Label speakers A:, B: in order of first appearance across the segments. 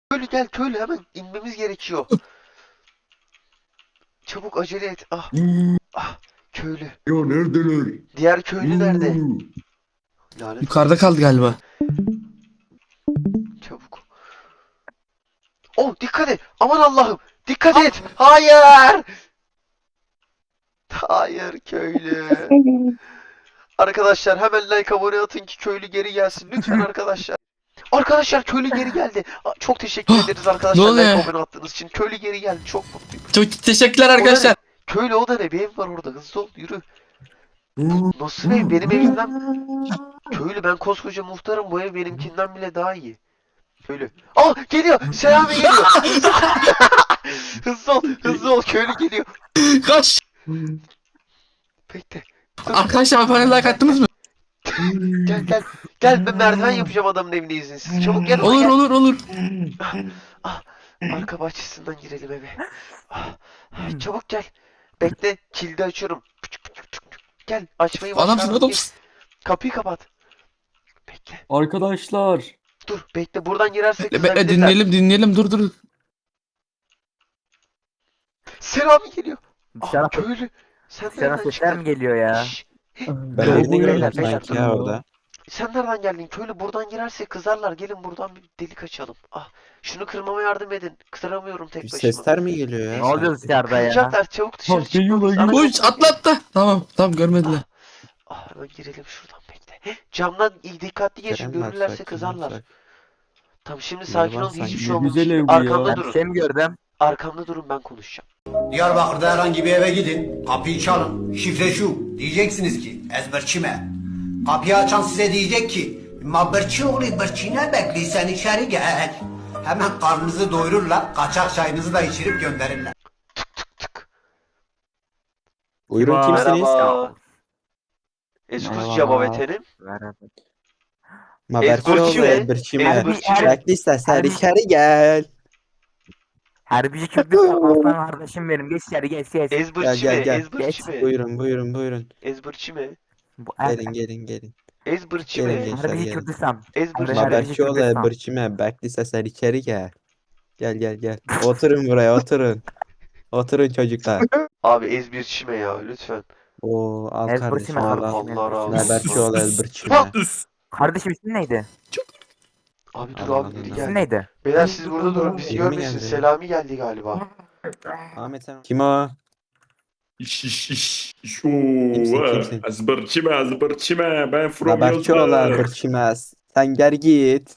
A: Köylü gel köylü hemen inmemiz gerekiyor. Çabuk acele et. Ah ah köylü.
B: Ya neredeler?
A: Diğer köylü nerede? Lanet olsun.
C: Yukarıda kaldı galiba.
A: Çabuk. Oh dikkat et. Aman Allah'ım. Dikkat et. Hayır. Hayır köylü. Arkadaşlar hemen like abone atın ki köylü geri gelsin. Lütfen arkadaşlar. Arkadaşlar köylü geri geldi. Çok teşekkür ederiz
C: Ne
A: arkadaşlar
C: oluyor?
A: like abone attığınız için. Köylü geri geldi. Çok mutluyum.
C: Çok teşekkürler
A: O da
C: arkadaşlar.
A: ne? Köylü o da ne? Bir ev var orada. Hızlı ol yürü. Bu nasıl ev? Benim evimden... Köylü ben koskoca muhtarım. Bu ev benimkinden bile daha iyi. Köylü. Ah geliyor. Selami geliyor. Hızlı ol. Hızlı ol. Köylü geliyor.
C: Kaç.
A: Bekle.
C: Arkadaşlar abone like attınız mı?
A: Gel gel. Gel ben merdiven yapacağım adamın evine izinsiz. Çabuk gel
C: Olur
A: gel.
C: olur olur.
A: Ah, arka bahçesinden girelim eve. Çabuk gel. Bekle kilidi açıyorum. Gel açmayı
C: Adamsın
A: başardım.
C: adamsın.
A: Kapıyı kapat. Bekle.
D: Arkadaşlar.
A: Dur bekle buradan girersek
C: Bekle bekle
A: kızabilirler.
C: dinleyelim dur.
A: Selami geliyor.
E: Dışarı,
A: Köylü. Sen
E: dışarı
A: nereden
E: sesler
A: çıktın?
E: mi geliyor ya?
A: Şşş,
B: Ben
D: Doğru
B: birini
D: beyler,
B: gördüm
E: beyler.
B: sanki ya orada.
A: sen nereden geldin? Köylü buradan girersek kızarlar. Gelin buradan bir delik açalım. Ah, şunu kırmama yardım edin. Kıramıyorum tek
B: Bir
A: başıma.
B: sesler mi geliyor ya?
E: Ne oluyor dışarıda ya?
A: Kıracaklar çabuk dışarı
D: Ha, geliyorlar,
A: çıkmamız.
D: geliyorlar.
C: Koş atla. Tamam görmediler.
A: Hemen girelim şuradan bekle. Camdan dikkatli geçin.
B: Kerem var,
A: Görürlerse
B: sakin ol,
A: kızarlar.
B: sakin.
A: Tamam şimdi
B: Biri
A: sakin
B: var
A: olun. Hiçbir
B: sanki.
A: şey olmamış.
D: Güzel ev bu
A: Arkamda
D: ya.
E: Ben bir
A: durun.
E: şey mi gördüm?
A: Arkamda durun ben konuşacağım.
F: Diyarbakır'da herhangi bir eve gidin, kapıyı çalın, şifre şu. Diyeceksiniz ki, ezberçime. Kapıyı açan size diyecek ki, mabırçı oğlu bırçine bekliysen içeri gel. Hemen karnınızı doyururlar, kaçak çayınızı da içirip gönderirler.
A: Tık.
B: Buyurun kimsiniz?
A: Merhaba. Eskus
B: Merhaba.
A: Cabavetenim.
E: Merhaba.
B: Maberçioğlu
A: Ezberçime.
B: Ezberçime.
A: Ezberçime.
B: Bekliysen sen
E: Harbi-
B: içeri gel.
E: Harbici Kürdistan aslan kardeşim benim. Geç içeri geç.
A: Ezbırçime.
B: gel.
A: Ezbırçime.
B: Buyurun.
A: Ezbırçime.
E: Bu
B: Gelin.
A: Ezbırçime.
B: Gelin.
E: Harbici
B: gelin.
E: Kürdistan.
A: Ezbırçime.
B: Maberçioğlu
E: Kürdistan.
B: Ezberçime. Bekliysen sen içeri gel. Gel. Oturun buraya oturun. Oturun çocuklar.
A: Abi ezbirçime ya lütfen.
B: Oo al
E: Ezberçime
B: kardeşim al
E: kardeşim.
B: al.
A: Allah razı olsun.
B: Maberçioğlu Ezberçime.
E: Kardeşim ismin neydi?
A: Abi dur
B: Allah
A: abi biri
B: Allah.
E: İsmin
A: geldi.
E: neydi?
A: Beyler siz burada durun bizi
B: Biri mi
A: görmesin.
B: geldi?
A: Selami geldi galiba.
B: Ahmet sen. Kim o?
G: Şu
B: Kimsin?
G: Azbırçime ben from
B: Maberçioğlu Ezberçime. Sen gel git.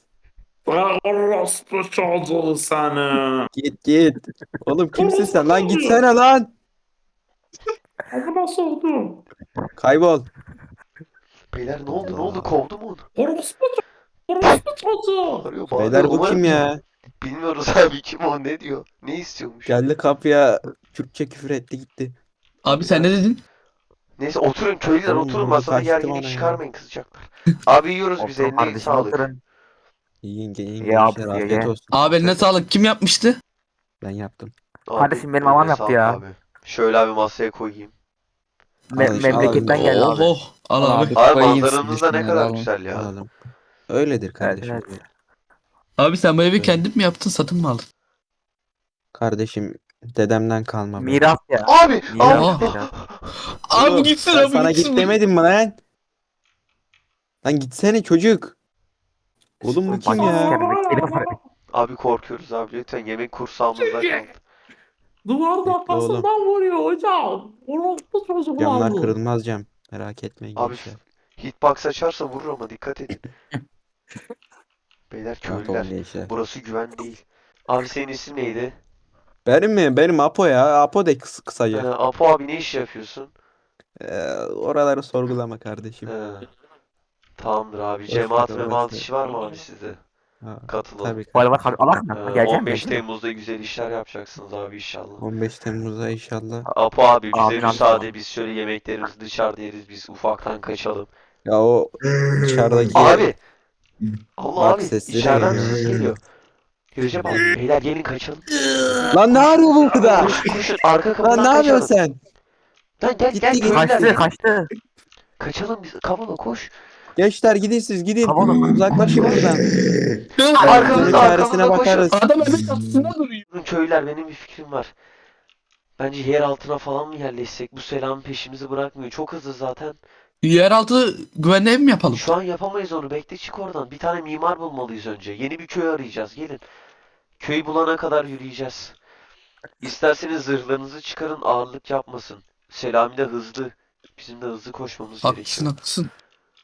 G: Orospu çocuğu sana.
B: Git. Oğlum kimsin sen lan? Gitsene lan.
G: Amına sordum.
B: Kaybol.
A: Beyler ne oldu kovdu mu onu?
G: Orospu çocuğu.
A: Arıyor
B: Beyler bu
A: Umarım-
B: kim ya?
A: Bilmiyoruz abi kim o ne diyor? Ne istiyormuş?
B: Geldi kapıya Türkçe küfür etti gitti.
C: Abi sen ne dedin?
A: Neyse oturun köylüler
B: Oğlum,
A: oturun
B: vurdu,
A: masada
B: kaçtı
A: gerginlik
B: bana ya.
A: çıkarmayın kızacaklar. Abi yiyoruz biz
E: Oturun
A: eline
E: kardeşim
A: sağlık.
E: oturun.
B: Yiyin
E: Ya
B: gençler
E: abi,
B: afiyet
E: ye.
B: olsun.
C: Abi eline sağlık. Kim yapmıştı?
B: Ben yaptım.
A: Abi,
E: Kardeşim, benim
A: eline
E: babam yaptı
A: sağlık
E: ya.
A: Abi. Şöyle abi masaya koyayım.
B: Al işte,
E: Memleketten
B: al.
E: geldi abi.
C: Al abi.
A: Abi manzaranız da ne kadar güzel ya.
B: Alalım. Öyledir kardeşim.
E: Evet.
C: Abi sen bu evi kendin mi yaptın satın mı aldın?
B: Kardeşim dedemden kalma. be.
E: Miras ya.
A: Abi!
E: Miras,
A: Abi!
E: miras.
C: Abi
B: Oğlum,
C: gitsin
B: ben
C: abi
B: sana
C: gitsin.
B: git demedim mi lan? Lan gitsene çocuk. Oğlum bu kim
E: Bak,
B: ya?
E: sikerim, var.
A: Abi korkuyoruz abi lütfen yemek kursağımızda kaldı.
G: Duvarda
B: Bekle oğlum.
G: kafasından vuruyor hocam. Orospu çocuğu
B: Camlar
G: bu.
B: kırılmaz cam. Merak etmeyin
A: Abi
B: gençler.
A: hitbox açarsa vurur ama dikkat edin. Beyler
B: Rahat olun
A: köylüler.
B: gençler.
A: Burası güven değil. Abi senin isim neydi?
B: Benim mi? Benim Apo ya. Apo de kısaca.
A: Apo abi ne iş yapıyorsun?
B: Oraları sorgulama kardeşim.
A: Tamamdır abi.
B: Boş
A: Cemaat
B: ver,
A: memaat
B: boş ver.
A: işi var mı abi sizde?
B: Ha,
A: Katılın.
B: tabii.
E: Var var Allah mı? Geleceğim
A: 15
E: mi?
A: Temmuz'da güzel işler yapacaksınız abi inşallah.
B: 15 Temmuz'da inşallah.
A: Apo abi bize
E: Amin,
A: müsaade
E: amin.
A: biz şöyle yemeklerimizi dışarıda yeriz biz ufaktan kaçalım.
B: Ya o dışarıdaki
A: Abi! Allah
B: Bak
A: abi
B: sesleri
A: içeriden
B: geliyor.
A: ses geliyor. Recep abi beyler gelin kaçalım.
B: Lan ne arıyor bu burada?
A: Koşun arka kapıdan
B: Lan ne yapıyorsun
A: kaçalım.
B: sen?
A: Lan gel
B: Gitti,
A: gel
B: gitti.
A: köylüler
E: Kaçtı
A: gelin.
E: kaçtı.
A: Kaçalım biz kavala koş.
B: Gençler gidin siz gidin.
E: Havalı.
B: Uzaklaşın buradan.
A: Arkamızda,
B: Çaresine
A: arkamızda koşun.
B: bakarız.
C: Adam evin çatısında duruyor.
A: Köylüler, benim bir fikrim var. Bence yer altına falan mı yerleşsek? Bu Selami peşimizi bırakmıyor. Çok hızlı zaten.
C: Yeraltı güvenli ev mi yapalım?
A: Şu an yapamayız onu. Bekle, çık oradan. Bir tane mimar bulmalıyız önce. Yeni bir köy arayacağız. Gelin. Köyü bulana kadar yürüyeceğiz. İsterseniz zırhlarınızı çıkarın, ağırlık yapmasın. Selami de hızlı. Bizim de hızlı koşmamız
C: Haklısın
A: gerekiyor.
C: haklısın.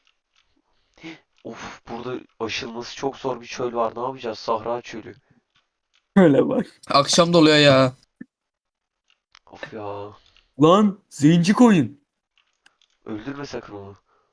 A: Of, burada aşılması çok zor bir çöl var. Ne yapacağız? Sahra çölü.
E: Öyle bak.
C: Akşam da oluyor ya.
A: Of ya.
E: Lan zenci koyun.
A: Öldürme sakın onu.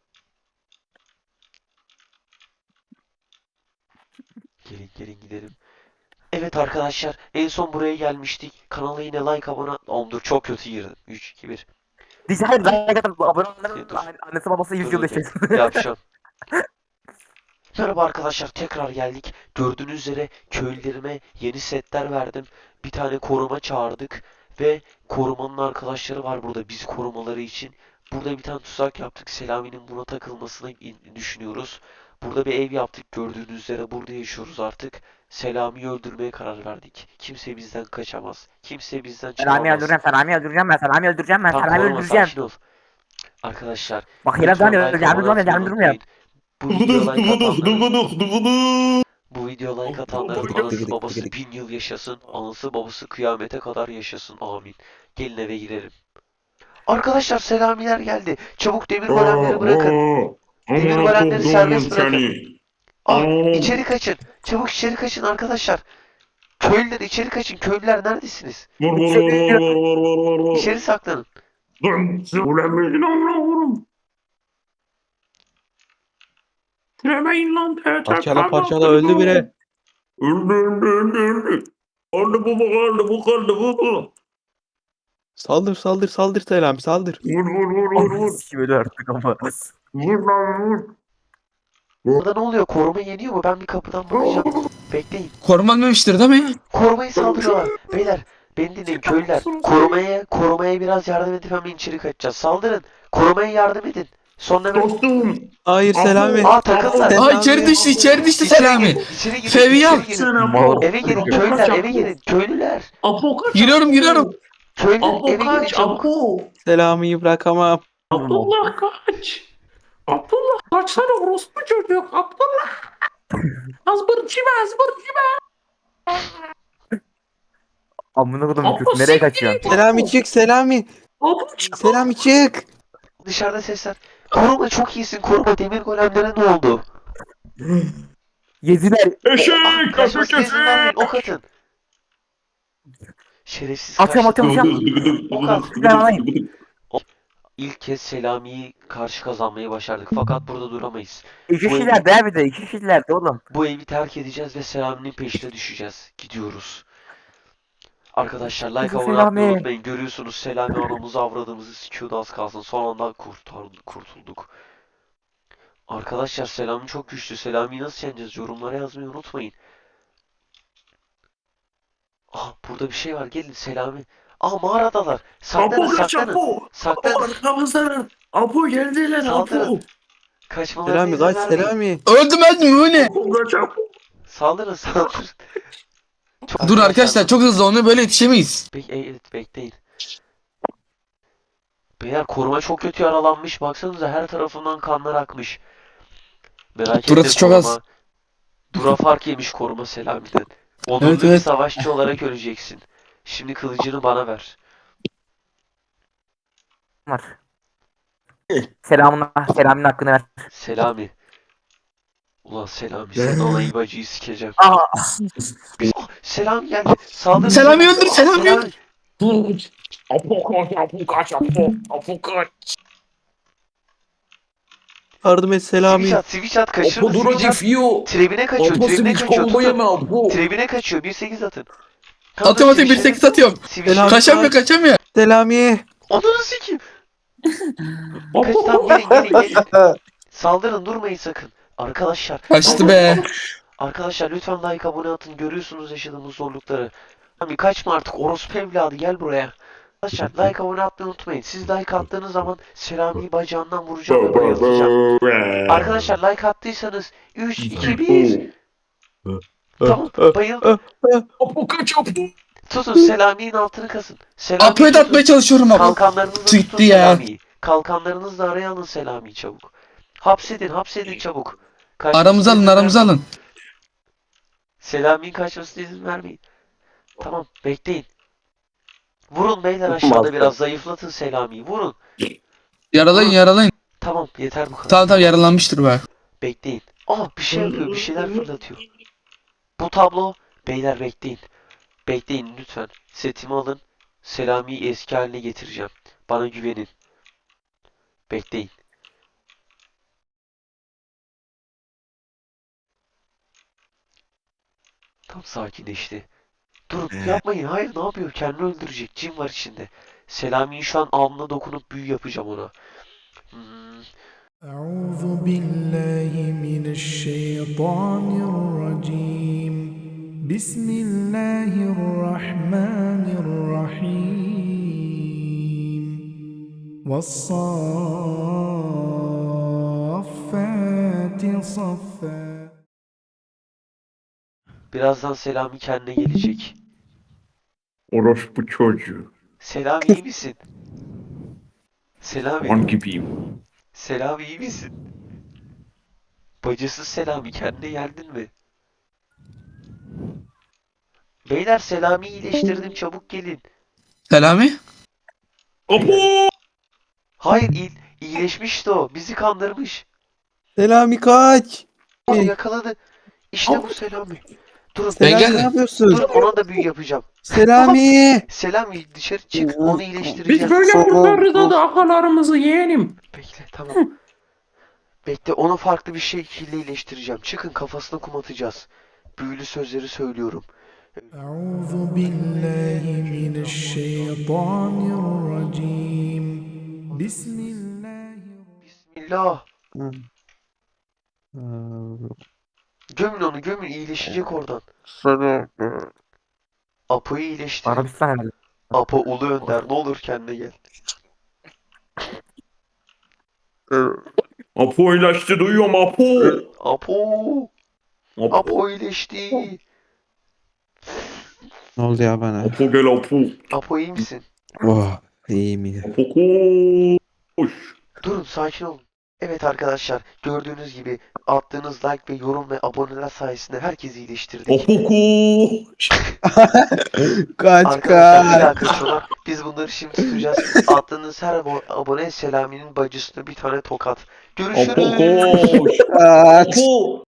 A: Gelin gelin gidelim. Evet arkadaşlar, en son buraya gelmiştik. Kanala yine like, abone... Oğlum dur, çok kötü girdim. 3, 2, 1.
E: Diyeceğim like atıp abone olanların
A: Dur.
E: annesi babası 100
A: Dur,
E: yıl
A: dur,
E: yaşasın.
A: Yapacağım. Merhaba arkadaşlar, tekrar geldik. Gördüğünüz üzere köylülerime yeni setler verdim. Bir tane koruma çağırdık. Ve korumanın arkadaşları var burada, biz korumaları için. Burada bir tane tuzak yaptık. Selami'nin buna takılmasını düşünüyoruz. Burada bir ev yaptık, gördüğünüz üzere burada yaşıyoruz artık. Selami'yi öldürmeye karar verdik. Kimse bizden kaçamaz. Kimse bizden
E: Selami
A: çalamaz.
E: öldüreceğim, Selami öldüreceğim ben, Selami öldüreceğim ben,
A: Tamam,
E: Selami
A: koruma,
E: öldüreceğim.
A: sakin ol. Arkadaşlar,
E: Bak yine
A: lütfen
E: ben
A: like,
E: öldüreceğim,
A: abone
E: durmuyor,
A: atmayı
E: durmuyor.
A: unutmayın. Bu videoya like atanların, bu videoya like atanların anası babası 1000 yıl yaşasın, anası babası kıyamete kadar yaşasın, amin. Gelin eve girelim. Arkadaşlar, Selamiler geldi. Çabuk demir golemleri bırakın. Demir golemleri serbest bırakın. İçeri kaçın. Çabuk içeri kaçın arkadaşlar. Köylüler içeri kaçın. Köylüler neredesiniz? İçeri saklanın.
G: Dilemeyin lan PTK.
B: Parçala parçala öldü biri.
G: Öldü. Kardı baba.
B: Saldır saldır saldır Selami saldır.
E: Ananı sikeyim öyle artık ama.
A: Burada ne oluyor? Koruma yeniyor mu? Ben bir kapıdan bakacağım. Bekleyin.
C: Koruma ölmemiştir değil mi?
A: Korumayı saldırıyorlar. Beyler, beni dinleyin köylüler. Korumaya biraz yardım edip hemen içeri kaçacağız. Saldırın. Korumaya yardım edin. Son hemen.
G: Dostum.
B: Hayır Selami.
A: Aa, takıldılar.
B: Selami.
C: Aa içeri düştü içeri düştü
A: İçeri
C: Selami.
A: girin, içeri girin,
C: Fevyal.
A: içeri girin. Eve girin köylüler, eve girin. Köylüler.
G: Apo kaç.
C: Giriyorum giriyorum.
A: Köylüler,
G: Apo
A: eve girin
G: kaç.
A: çabuk.
G: Apo.
B: Selami'yi bırakamam.
G: Abdullah kaç. Abdullah kaçsana orospu çocuk. Abdullah. Azbırcime.
E: Amına kodum
G: Apo
E: videosu nereye kaçıyorsun?
B: Selami çık Selami.
G: Apo çık.
B: Selami çık.
A: Dışarıda sesler. Koruma, çok iyisin. Koruma, demir golemlere ne oldu?
E: Yediler.
G: Eşek.
A: Kaçmasına izin vermeyin. Ok atın. Şerefsiz
E: Atıyorum,
A: kaçtı.
E: atıyorum.
A: Ok at.
E: Ben alayım.
A: İlk kez Selami'yi karşı kazanmayı başardık. Fakat burada duramayız.
E: İki kişiler de bir de, iki kişiler de oğlum.
A: Bu evi terk edeceğiz ve Selami'nin peşine düşeceğiz. Gidiyoruz. Arkadaşlar, like,
E: Kızım
A: abone atmayı
E: Selami.
A: unutmayın. Görüyorsunuz Selami anamızı avradığımızı sikiyordu az kalsın. Son anda kurtulduk. Arkadaşlar, Selami çok güçlü. Selami'yi nasıl yeneceğiz? Yorumlara yazmayı unutmayın. Ah, burada bir şey var. Gelin Selami. Ah, mağaradalar. Saklanın,
G: Apo kaç
A: saklanın.
G: Apo.
A: Saklanın.
G: Arkamızdan. Apo geldiler Apo.
A: Saldırın. Kaçmalarına
B: Selami
A: izin
B: kaç
A: vermeyin.
B: Selami.
C: Öldüm bu ne?
G: Apo kaç Apo.
A: Saldırın.
C: Dur arkadaşlar çok hızlı onu böyle yetişemeyiz.
A: Evet, bekleyin. Beyler, koruma çok kötü yaralanmış. Baksanıza, her tarafından kanlar akmış. Merak etme,
C: Burası çok az.
A: Dura fark yemiş koruma Selami'den. Onurlu
C: Evet,
A: bir
C: evet.
A: savaşçı olarak öleceksin. Şimdi kılıcını bana ver.
E: Var. Selamın hakkını ver.
A: Selami. Ulan Selami, sen alayı bacıyı sikeceğim.
E: Aa.
A: Ah, Selami geldi. Saldırın.
C: Selami öldür, Selami öldür.
G: Apo kaç Apo. Apo kaç.
B: Yardım et Selami.
A: Switch at, kaçırın.
G: Apo duracı
A: Switch at.
G: fiyo.
A: Trebine kaçıyor,
G: Apo
A: trebine
G: switch
A: kaçıyor.
G: combo
A: Tutun.
G: yeme Apo.
A: Trebine kaçıyor, 1-8 atın.
C: Atıyorum 1-8 atıyorum.
A: Switch.
B: Selami.
C: Kaçamıyor kaçamıyor.
B: Selami.
A: Ananı sikeyim. Kaç,
G: Apo.
A: tamam, gelin. Saldırın, durmayın sakın. Arkadaşlar.
C: Kaçtı be.
A: Arkadaşlar, lütfen like, abone atın. Görüyorsunuz yaşadığımız zorlukları. Abi kaçma artık, orospu evladı, gel buraya. Arkadaşlar like abone atmayı unutmayın. Siz like attığınız zaman Selami'yi bacağından vuracağım ve bayıltacağım. Arkadaşlar like attıysanız 3, 2, 1. Tamam bayıldım.
G: Apo kaç Apo.
A: Tutun Selami'nin altını kasın. Selami'yi
C: Apo'yu da
A: tutun.
C: atmaya çalışıyorum Apo.
A: Kalkanlarınızla tutun
C: Gitti ya.
A: Selami'yi. Kalkanlarınızla araya alın Selami'yi çabuk. Hapsedin çabuk. Kaçmasına
C: Aramıza alın
A: izin
C: aramıza
A: vermeyin.
C: alın.
A: Selami'nin kaçmasına izin vermeyin. Tamam bekleyin. Vurun beyler aşağıda biraz zayıflatın Selami'yi. Vurun.
C: Yaralayın yaralayın.
A: Tamam yeter bu kadar.
C: Tamam yaralanmıştır be.
A: Bekleyin. Aa bir şey yapıyor, bir şeyler fırlatıyor. Bu tablo, beyler bekleyin. Bekleyin lütfen. Setimi alın. Selami'yi eski haline getireceğim. Bana güvenin. Bekleyin. Tam sakinleşti. Durun yapmayın. Hayır ne yapıyor? Kendini öldürecek. Cin var içinde. Selami'yi şu an alnına dokunup büyü yapacağım ona.
D: أعوذ بالله من الشيطان الرجيم بسم الله الرحمن الرحيم والصافات صفا
A: Birazdan Selami kendine gelecek.
G: Orospu çocuğu.
A: Selami iyi misin? Selami.
G: Kan gibiyim.
A: Selami iyi misin? Bacısız Selami kendine geldin mi? Beyler Selami'yi iyileştirdim çabuk gelin.
C: Selami.
G: Apo.
A: Hayır iyileşmişti o. Bizi kandırmış.
B: Selami kaç.
A: Onu yakaladı. İşte bu Selami. Durun
B: Selami
C: geldim.
B: ne yapıyorsun?
A: durun ona da büyü yapacağım.
B: Selami.
A: Selami dışarı çık onu
G: Biz
A: iyileştireceğim.
G: böyle kurtarırız da akalarımızı yeğenim.
A: Bekle tamam. Bekle onu farklı bir şekilde iyileştireceğim. Çıkın kafasına kum atacağız. Büyülü sözleri söylüyorum.
D: أعوذ بالله من الشيطان الرجيم بسم الله
A: Bismillah. Gömün onu gömün iyileşecek oradan. Apo'yu iyileştirin.
E: Arabistan herhalde.
A: Apo Ulu Önder ne olur kendine gel.
G: Apo ilaçtı duyuyorum Apo.
A: Apo.
G: Apo.
A: Apo iyileşti.
B: Ne oldu ya bana?
G: Apo gel Apo.
A: Apo iyi misin?
B: Oh iyiyim ya.
G: Apo koş.
A: Durun sakin olun. Evet arkadaşlar gördüğünüz gibi attığınız like ve yorum ve aboneler sayesinde herkesi iyileştirdik.
G: Apo koş.
B: Kaç
A: Arkadaşlar bir
B: kaç.
A: dakika sonra biz bunları şimdi tutacağız. Attığınız her abone Selami'nin bacısına bir tane tokat.
G: Apo
A: Görüşürüz.
G: koş.
B: Kaç.
G: Apo.